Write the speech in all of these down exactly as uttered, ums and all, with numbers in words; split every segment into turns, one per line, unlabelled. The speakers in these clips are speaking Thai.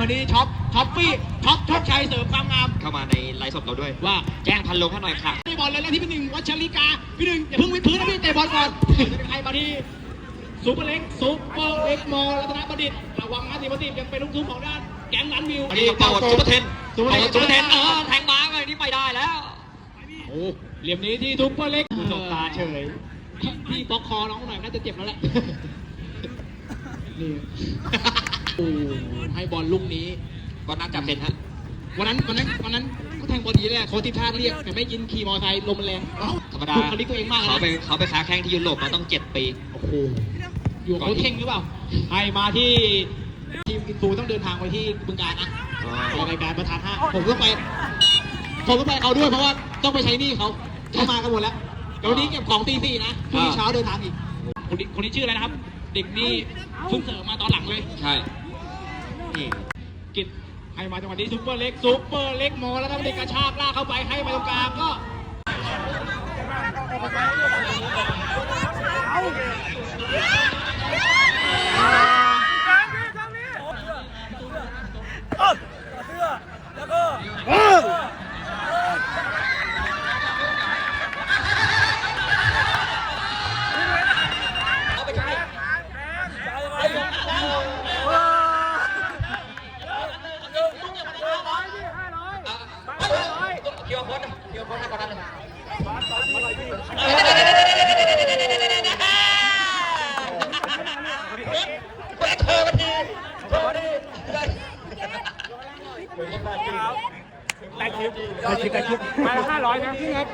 นี้ช็อปช็อปปี้ช็อปโชคชัยเสริมความงาม
เข้ามาในไลฟ์สดเราด้วย
ว่า
แจ้งพันลงให้หน่อยค่ะ
ตีบอลเลยแล้วที่พี่หนึ่งวัชริกาพี่หนึ่งอย่าเพิ่งวิดพื้นนะพี่เตะบอลก่อนจะเป็นใครมาที่ซูเปอร์เล็กซูเปอร์เล็กมอลรัตนประดิษฐ์ระวังนะทีมทีมยังเป็นลูกทุ่งของด้านแก๊งลันวิว
นี่เป่าซูเปอร์เทน
ซูเปอร์เทน
ซูเปอร์เทนเออแทงม้าเลยนี่ไปได้แล้ว
โอ้เหลี่ยมนี้ที่ซูเปอร์เล็กสบตาเฉยพี่บล็อกคอน้องหน่อยน่าจะเจ็บแล้วแหละนี่โอ้ให้บอลลูกนี้
ก็น่าจะเป็นฮะ
วันนั้นวันนั้นวันนั้นเขาแทงบอลดีเลยโค้ชทีมชาติเรียกแต่ไม่ยินขี่มอเตอร์ไซค์ลมมันแรง
ธรรมดา
เขาลิกตัวเองมาก
เขาไปเขาไปค้าแข้งที่ยุโรปมาต้องเจ็ดปี
โอ้โหอยู่โค้ชเท่งหรือเปล่าให้มาที่ทีมอินฟูต้องเดินทางไปที่บึงกาฬนะรายการประธานห้าผมต้องไปผมต้องไปเขาด้วยเพราะว่าต้องไปใช้หนี้เขาเขามากันหมดแล้วเดี๋ยวนี้เก็บของตีสี่นะพรุ่งนี้เช้าเดินทางอีกคนนี้คนนี้ชื่ออะไรนะครับเด็กนี่เพิ่งเสริมมาตอนหลังเลย
ใช่
นี่กิจให้มาจังหวะนี้ซุปเปอร์เล็กซุปเปอร์เล็กมอแล้วก็เด็กกระชากลากเข้าไปให้มาตรงกลางก็
เกี่ยวคนเกี่ยวคนให้ก่อนนั้นเลยเธอมาทีเธอมาที
ได้คลิปได้คลิปได้คลิปมาละห้าร้อยนะพี่ครับ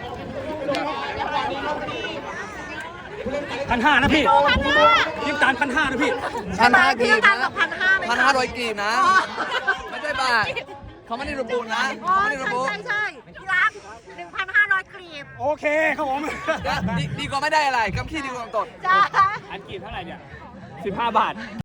พันห้านะพี่คลิปจานพันห้านะพี่
พันห้ากีบนะ
พันห้า
พันห้าร้อยกีบนะไม่ใช่บาทเขาไม่ได้ระบุนะไม่ได้ระบุ
ใช่ใช่ที่รักหนึ่งพันห้าร้อยกรีบ
โอเคครับผม
ดีกว่าไม่ได้อะไรกำขี้ดีกว่าตด
จ้า
อันกีบเท่าไหร่เนี่ยสิบห้าบาท